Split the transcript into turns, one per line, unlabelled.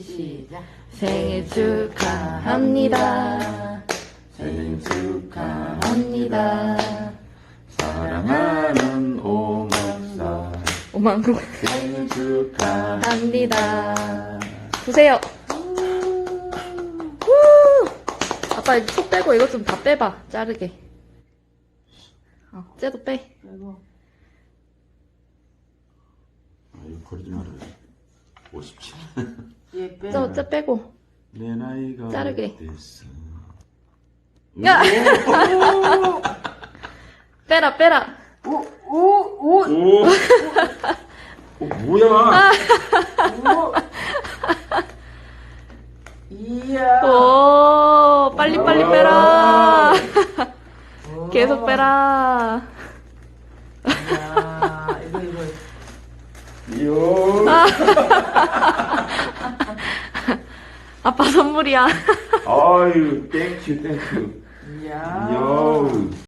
시작.
생일 축하합니다.
생일 축하합니다.
합니다.
사랑하는 오목사
오만국
생일 축하합니다.
합니다. 보세요. 후! 아빠 속 빼고 이것 좀 다 빼봐. 자르게. 쟤도 빼.
그리고
아, 이거 버리지 말아요. 57.
얘 빼.
쟤 빼고.
내 나이가
자르게.
어땠어?
야! 빼라, 빼라.
오! 뭐야?
이야.
오, 빨리빨리 빼라. 계속 빼라.
이야, 이거.
이요.
아빠 선물이야.
아유, 땡큐.
이야.
요.